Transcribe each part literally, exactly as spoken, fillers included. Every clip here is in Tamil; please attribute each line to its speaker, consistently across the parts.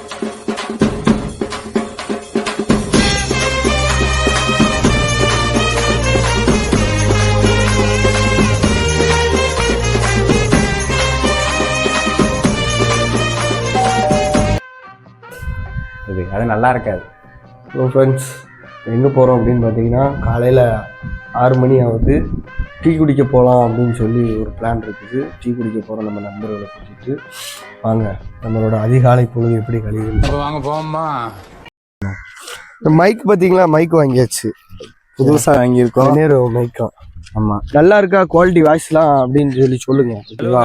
Speaker 1: அது நல்லா இருக்காது.
Speaker 2: ஸோ ஃப்ரெண்ட்ஸ், எங்கே போகிறோம் அப்படின்னு பார்த்தீங்கன்னா, காலையில் ஆறு மணி ஆகுது. டீ குடிக்க போகலாம் அப்படின்னு சொல்லி ஒரு பிளான் இருக்குது. டீ குடிக்க போகிறோம் நம்ம நண்பர்களை கூட்டிட்டு. வாங்க, நம்மளோட அதிகாலை பொழுது எப்படி கழிவு.
Speaker 1: வாங்க போமா.
Speaker 2: இந்த மைக் பார்த்தீங்களா, மைக் வாங்கியாச்சு, புதுசாக வாங்கியிருக்கோம். நேரு மைக்கம். ஆமாம், நல்லா இருக்கா குவாலிட்டி வாய்ஸ்லாம் அப்படின்னு சொல்லி சொல்லுங்க.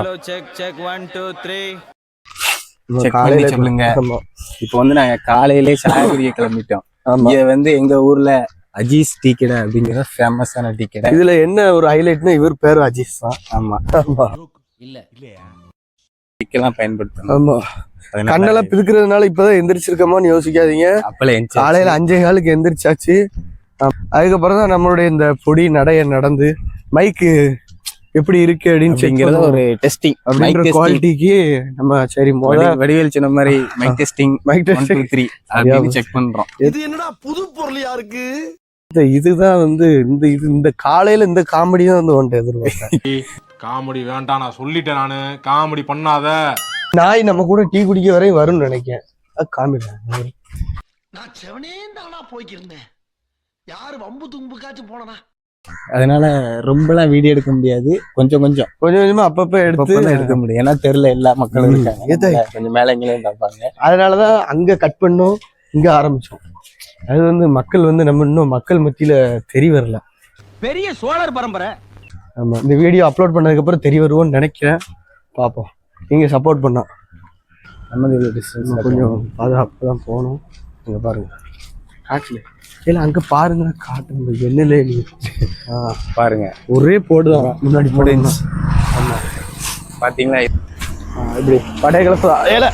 Speaker 1: காலையில சொல்லுங்க. இப்போ வந்து நாங்க காலையிலே சாய குடிக்க கிளம்பிட்டோம். இங்க வந்து எங்க ஊர்ல அஜீஸ் டீ கடை அப்படிங்கிற ஃபேமஸான டீ கடை.
Speaker 2: இதுல என்ன ஒரு ஹைலைட்னா, இவர் பேரு அஜீஸ் தான்.
Speaker 1: ஆமா ஆமா, இல்ல இல்லையா டீக்கெல்லாம் பயன்படுத்தணும்.
Speaker 2: ஆமா, கண்ணெல்லாம் பிதுக்கிறதுனால இப்பதான் எந்திரிச்சிருக்கோமான்னு யோசிக்காதீங்க.
Speaker 1: அப்பல
Speaker 2: காலையில அஞ்சே காலுக்கு எந்திரிச்சாச்சு. அதுக்கப்புறம் தான் நம்மளுடைய இந்த பொடி நடைய நடந்து மைக்கு எப்படி இருக்கு அப்படின்னு
Speaker 1: ஒரு டெஸ்டிங்
Speaker 2: அப்படின்ற குவாலிட்டிக்கு நம்ம சரி
Speaker 1: வடிவேல் சொன்ன மாதிரி mic testing mic testing three அப்படின்னு செக் பண்றோம்.
Speaker 2: இது என்னடா புது பொருளியா இருக்கு. இதுதான் வந்து இந்த இது இந்த காலையில இந்த காமெடி தான் வந்து ஒன்று எதிர்பார்த்தேன்.
Speaker 3: காமெடி வேண்டாம், நான் சொல்லிட்டேன். நானு காமெடி பண்ணாத.
Speaker 2: நாய் நம்ம கூட டீ குடிக்க வரையும் வரும்னு நினைக்கிறேன். காமெடி
Speaker 4: நான் செவனே தானா போய்க்கிருந்தேன். யாரு வம்பு தும்புக்காச்சும் போனனா.
Speaker 1: அதனால ரொம்பலாம் வீடியோ எடுக்க முடியாது. கொஞ்சம் கொஞ்சம்
Speaker 2: கொஞ்சம் கொஞ்சமா அப்பப்ப எடுத்து
Speaker 1: எடுக்க முடியும். ஏன்னா தெருல எல்லா மக்களும் இருக்காங்க, கொஞ்சம் மேலங்களையும் பார்ப்பாங்க.
Speaker 2: அதனாலதான் அங்க கட் பண்ணோம், இங்க ஆரம்பிச்சோம். அது வந்து மக்கள் வந்து நம்ம இன்னும் மக்கள் மத்தியில தெரிய வரல.
Speaker 4: பெரிய சோழர் பரம்பரை.
Speaker 2: ஆமா, இந்த வீடியோ அப்லோட் பண்ணதுக்கு அப்புறம் தெரிய வருவோம்னு நினைக்கிறேன். பார்ப்போம், நீங்க சப்போர்ட் பண்ணா. நம்ம டிஸ்டன்ஸ் கொஞ்சம் பாதுகாப்பு தான் போகணும். இங்க பாருங்க காட்டுல இல்ல, அங்க பாருங்க காட்டு என்னலே
Speaker 1: பாருங்க,
Speaker 2: ஒரே போடுதான் முன்னாடி போடுங்க.
Speaker 1: ஆமா, பாத்தீங்களா
Speaker 2: இப்படி படைய கலப்பு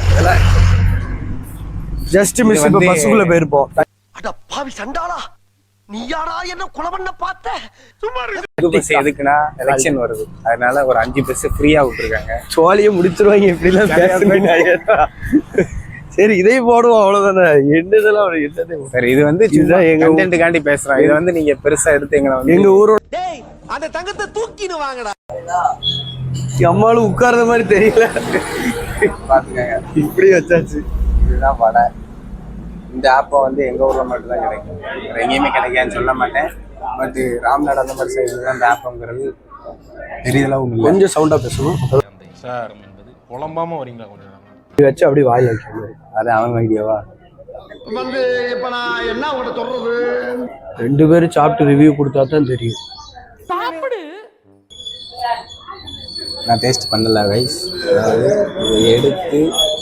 Speaker 2: ஜஸ்ட் மிஸ். இப்ப பஸ்ஸுக்குள்ள போயிருப்போம்.
Speaker 4: அட பாவி சண்டாளா, நீ யாரா என்ன கொலை பண்ண பார்த்த? சும்மா
Speaker 1: பஸ் எதுக்குன்னா எலெக்ஷன் வருது, அதனால ஒரு அஞ்சு பஸ் ஃப்ரீயா விட்டுருக்காங்க.
Speaker 2: சோழியை முடிச்சிருவாங்க இப்படி எல்லாம் பேசுறீங்க. சரி, இதை போடுவோம், அவ்வளவுதானே. என்னதெல்லாம் என்னதே
Speaker 1: சரி, இது வந்து எங்க கண்டென்ட்காண்டி பேசுறோம். இதை வந்து நீங்க பெருசா எடுத்து எங்களை வந்து
Speaker 2: எங்க ஊரோட
Speaker 4: அந்த தங்கத்தை தூக்கின்னு வாங்கடா.
Speaker 2: அம்மாளும் உட்கார்ந்த மாதிரி தெரியல.
Speaker 1: பாத்துக்கங்க,
Speaker 2: இப்படி வச்சாச்சு.
Speaker 1: இதுதான் வடை. இந்த ஆப்பை வந்து எங்க ஊர்ல மட்டும் தான் கிடைக்கும், எங்கேயுமே கிடைக்காதுன்னு சொல்ல மாட்டேன். பட் ராம்நாடு அந்த மாதிரி சைடு தான் இந்த ஆப்பங்கிறது தெரியல. உங்களுக்கு
Speaker 2: கொஞ்சம் சவுண்டா பேசணும்
Speaker 3: சார். குழம்பாம வரீங்களா கொஞ்சம்
Speaker 2: வச்சு அப்படியே வாயில் வைக்கணும்.
Speaker 1: அது அவங்க ஐடியாவா
Speaker 4: வந்து இப்ப நான் என்ன உங்கள்கிட்ட சொல்றது?
Speaker 2: ரெண்டு பேரும் சாப்பிட்டு ரிவ்யூ கொடுத்தா தான் தெரியும்.
Speaker 5: சாப்பிடு.
Speaker 1: நான் டேஸ்ட் பண்ணல கைஸ். அதாவது இதை எடுத்து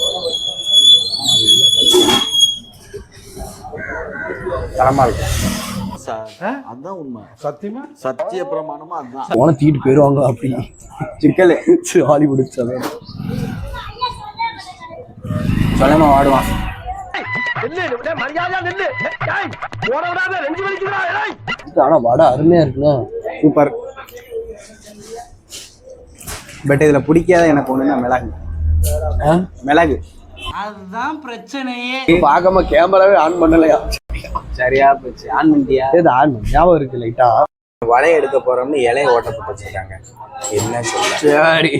Speaker 1: தரமா இருக்கும்.
Speaker 4: அதான் உண்மை. சத்தியமா சத்திய பிரமாணமா அதுதான்.
Speaker 2: போன தீட்டு போயிருவாங்க அப்படி சிக்கல் ஹாலிவுட்
Speaker 1: சொல்லாம வாடுவான்.
Speaker 2: ஆனா வடை அருமையா இருக்குண்ணா,
Speaker 1: சூப்பர். பட் இதுல பிடிக்காத எனக்கு ஒண்ணுன்னா மிளகு. மிளகு
Speaker 5: அதுதான் பிரச்சனையே.
Speaker 2: பார்க்காம கேமராவே ஆன் பண்ணலையா?
Speaker 1: சரியா போச்சு. ஆன் பண்ணிட்டியா?
Speaker 2: ஆன் ஞாபகம் இருக்கு லைட்டா.
Speaker 1: வலையை எடுக்க போறோம்னு இலையை ஓட்டப்பட்டு வச்சிருக்காங்க. என்ன சொல்ல?
Speaker 2: சரி,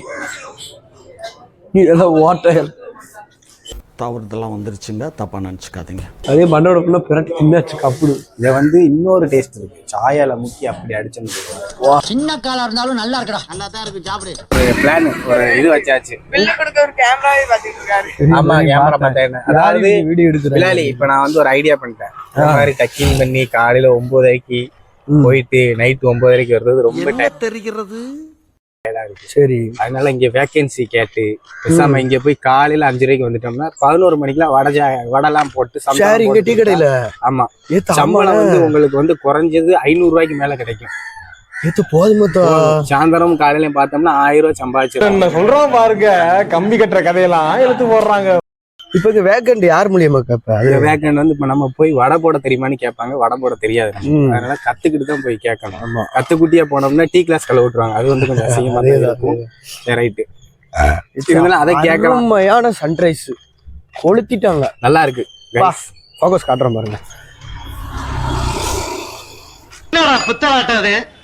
Speaker 2: ஏதோ ஓட்ட
Speaker 4: தவறுதெல்லாம் வந்துருச்சுங்க, தப்பா நினைச்சுக்காதீங்க.
Speaker 2: அதே மண்ணோட பிரட்டி தின்னாச்சு கப்புடு.
Speaker 1: இதை வந்து இன்னொரு டேஸ்ட் இருக்கு, சாயால முக்கி அப்படி அடிச்சுன்னு.
Speaker 4: சின்ன காலா இருந்தாலும் நல்லா இருக்குடா, நல்லா தான் இருக்கு, சாப்பிடு.
Speaker 1: ஒரு பிளான், ஒரு இது வச்சாச்சு.
Speaker 5: வெளில கொடுக்க ஒரு கேமராவே பாத்துட்டு இருக்காரு.
Speaker 1: ஆமா, கேமரா பார்த்தேன். அதாவது
Speaker 2: வீடியோ எடுத்துறாரு.
Speaker 1: இப்ப நான் வந்து ஒரு ஐடியா பண்ணிட்டேன். இந்த மாதிரி டக்கிங் பண்ணி காலையில ஒன்பதரைக்கு போயிட்டு நைட் ஒன்பதரைக்கு வர்றது ரொம்ப
Speaker 4: தெரிகிறது.
Speaker 2: சரி,
Speaker 1: அதனால இங்க வேகன்சி கேட்டு பேசாம இங்க போய் காலையில அஞ்சு ரூபாய்க்கு வந்துட்டோம்னா பதினோரு மணிக்கெல்லாம் வடஜா வடெல்லாம் போட்டு
Speaker 2: இங்க டீ கடையில.
Speaker 1: ஆமா, சம்பளம் வந்து உங்களுக்கு வந்து குறைஞ்சது ஐநூறு ரூபாய்க்கு மேல கிடைக்கும்.
Speaker 2: ஏத்து போதுமத்தா.
Speaker 1: சாயந்தரம் காலையில பார்த்தோம்னா ஆயிரம் ரூபாய் சம்பாதிச்சு.
Speaker 3: என்ன சொல்றோம் பாருங்க, கம்பி கட்டுற கதையெல்லாம் எழுத்து போடுறாங்க.
Speaker 2: இப்ப இங்க வேக்கண்ட் யார் மூலியமா கேப்ப?
Speaker 1: அது வேக்கண்ட் வந்து இப்ப நம்ம போய் வடை போட தெரியுமான்னு கேட்பாங்க. வடை போட தெரியாது, அதனால கத்துக்கிட்டு தான் போய் கேட்கணும். ஆமா, கத்துக்குட்டியா போனோம்னா டீ கிளாஸ் கல விட்டுருவாங்க. அது வந்து கொஞ்சம் அசிங்கமா தான் இருக்கும். ரைட்டு, இருந்தாலும் அதை கேட்கணும்.
Speaker 2: உண்மையான சன்ரைஸ் கொளுத்திட்டாங்க.
Speaker 1: நல்லா இருக்கு.
Speaker 2: வா ஃபோக்கஸ் காட்டுறேன் பாருங்க.
Speaker 4: புத்தலாட்டாது